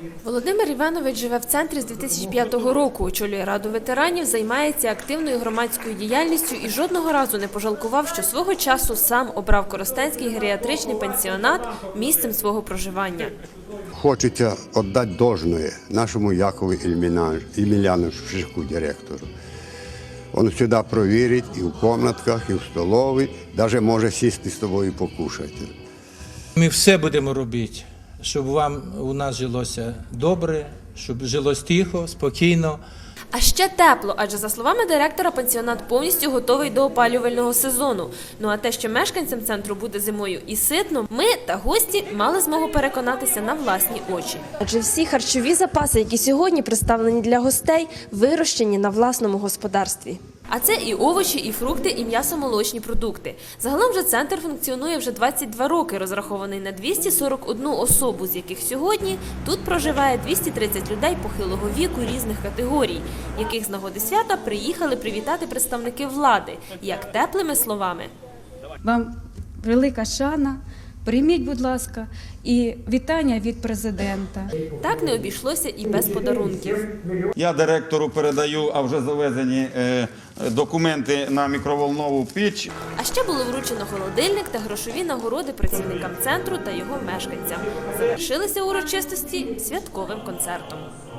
Володимир Іванович живе в центрі з 2005 року, очолює Раду ветеранів, займається активною громадською діяльністю і жодного разу не пожалкував, що свого часу сам обрав Коростенський геріатричний пансіонат місцем свого проживання. Хочеться віддати должное нашому Якову Ємельяновичу, директору. Він сюди провірить і в кімнатках, і в столовій, навіть може сісти з тобою і покушати. Ми все будемо робити, щоб вам у нас жилося добре, щоб жилось тихо, спокійно. А ще тепло, адже, за словами директора, пансіонат повністю готовий до опалювального сезону. Ну а те, що мешканцям центру буде зимою і ситно, ми та гості мали змогу переконатися на власні очі. Адже всі харчові запаси, які сьогодні представлені для гостей, вирощені на власному господарстві. А це і овочі, і фрукти, і м'ясо-молочні продукти. Загалом же центр функціонує вже 22 роки, розрахований на 241 особу, з яких сьогодні тут проживає 230 людей похилого віку різних категорій, яких з нагоди свята приїхали привітати представники влади, як теплими словами. Вам велика шана, прийміть, будь ласка, і вітання від президента. Так не обійшлося і без подарунків. Я директору передаю, а вже завезені документи на мікроволнову піч. А ще було вручено холодильник та грошові нагороди працівникам центру та його мешканцям. Завершилися урочистості святковим концертом.